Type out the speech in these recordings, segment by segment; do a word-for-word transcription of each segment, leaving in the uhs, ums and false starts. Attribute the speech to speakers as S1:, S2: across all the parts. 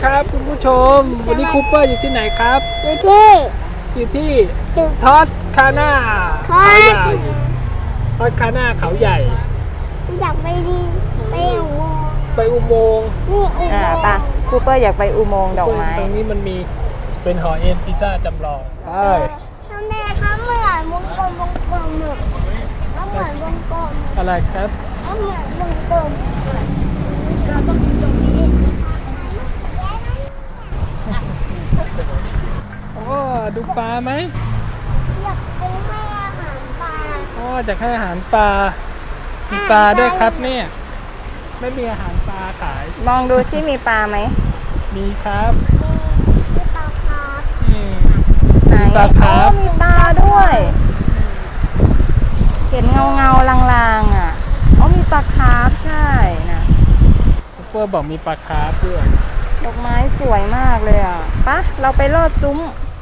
S1: ครับคุณผู้ชมวันนี้คูเปอร์อยู่ที่ไหนครับ
S2: อยู่ที่
S1: อยู่ที่ทอสคาน่าเขาใหญ่ทอสคาน่าเขาใหญ่
S2: อยากไปดีไปอุโมงค์
S1: ไปอุโมงค์
S2: นี่อุโม
S3: อ่าง
S2: ค์
S3: ปะคูเปอร์อยากไปอุโมงค์ดอกไม้
S1: ตรงนี้มันมีเป็นหอเอ็นพิซซ่าจำลองใช่
S2: ทำไมเขาเหมือนวงกลมวงกลมหนึ่งเขาเหมือนวงกลม
S1: อะไรครับ
S2: เขาเหมือนวงกลมเราต้องอยู่ตรงนี้
S1: โอ้ดูปลาไหม
S2: อยากไปให้อาหารปลา
S1: อ๋อจะให้อาหารปลามีปลาด้วยครับเนี่ยไม่มีอาหารปลาขาย
S3: มองดูซิมีปลาไหม
S1: มีครับ
S2: มีปลาคาร์ฟ
S3: ไหน
S1: ปลาคาร์ฟ
S3: มีปลาด้วยเห็นเงาเงาลางๆอ่ะอ๋อมีปลาคาร์ฟใช่นะ
S1: คูเปอร์บอกมีปลาคาร์ฟด้วย
S3: ดอกไม้สวยมากเลยอ่ะปะเราไปลอดซุ้ม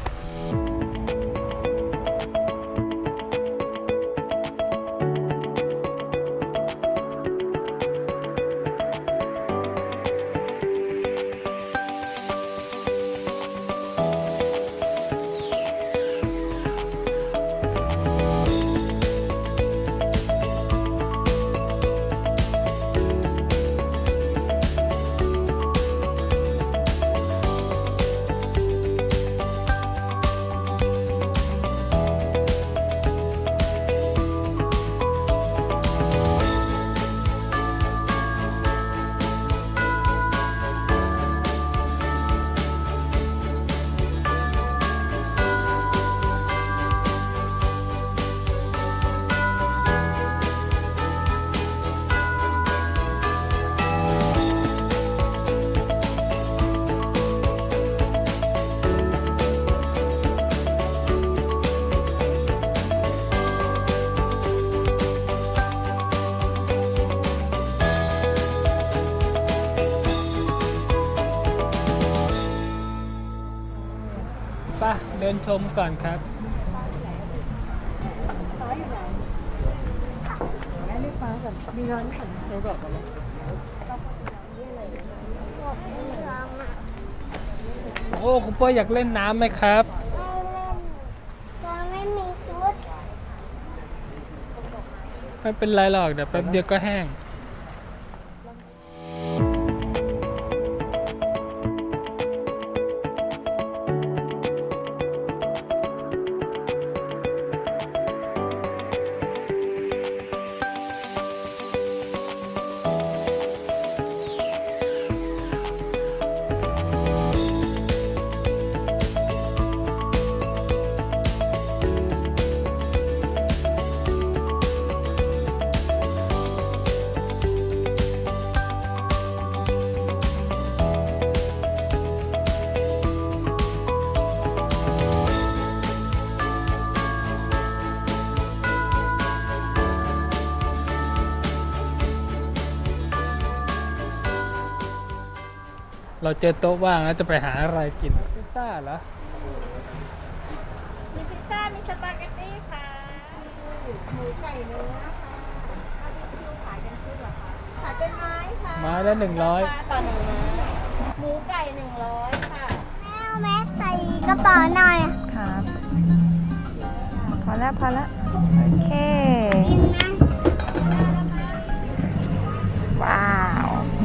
S1: ป่ะเดินชมก่อนครับโอ้คุณพ่ออยากเล่นน้ำไหมครับ
S2: ไม่เล่นเราไม่มีชุด
S1: ไม่เป็นไรหรอกเดี๋ยวแป๊บเดียวก็แห้งเราเจอโต๊ะว่างแล้วจะไปหาอะไรกินพิซซ่าเหรอ
S2: มีพิซซ่ามีสปาเกตตี้ค่ะหมูไก่เนื้อค่ะบาร์บีคิวขายกันชุดเหรอคะขายเป็นไม้ค่ะ
S1: ไม้ละหนึ่งร้อย
S2: ต่อหนึ่งไม้หมูไก่หนึ่งร้อยค่ะแม่เอาแม่ใส่กระเป๋าหน่อย
S3: ครับพอแล้วพอแล้วโอเค
S2: กินนะ
S3: ว้าว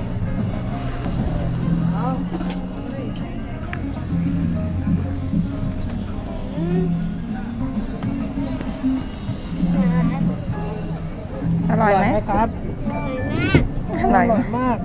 S3: อร่อยไหม
S1: ครับ
S3: อร่อย
S1: มาก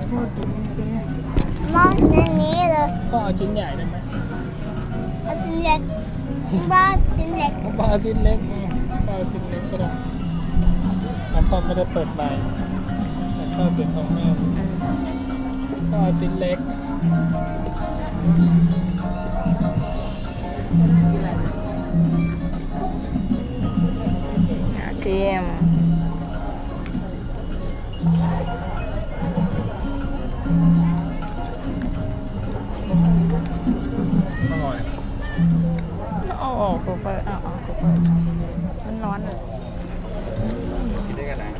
S2: มองในนี้เลย
S1: ก็เอาชิ้นใหญ่ได้ไหม
S2: เอาชิ้นเล็กบ้าชิ้นเล็ก
S1: ก็เอาชิ้นเล็กก็เอาชิ้นเล็กก็ได้น้ำพ่อไม่ได้เปิดใบแต่ชอบเป็นของแม่ก็เอาชิ้นเล็ก
S3: ชิม
S1: อร่อย
S3: โอ้โหคูเปอร์อ๋อคูเปอร์มันร้อนเลย
S1: กินได้กันไหน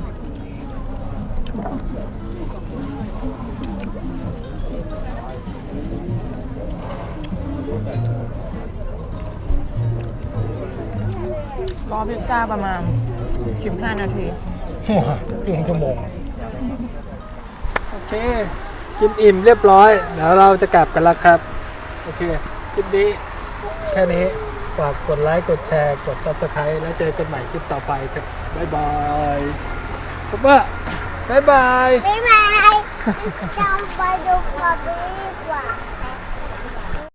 S3: รอพิซซ่าประมาณสิบห้านาที
S1: ว้าเกินชั่วโมงโอเค กินอิ่มเรียบร้อย เดี๋ยวเราจะกลับกันแล้วครับ โอเค คลิปนี้แค่นี้ ฝากกดไลค์ กดแชร์ กด ซับสไครบ์ แล้วเจอกันใหม่คลิปต่อไปครับ บ๊ายบายปุ๊บว่าบ๊ายบาย
S2: บ๊ายบายจำไปดูก่อนดีกว่า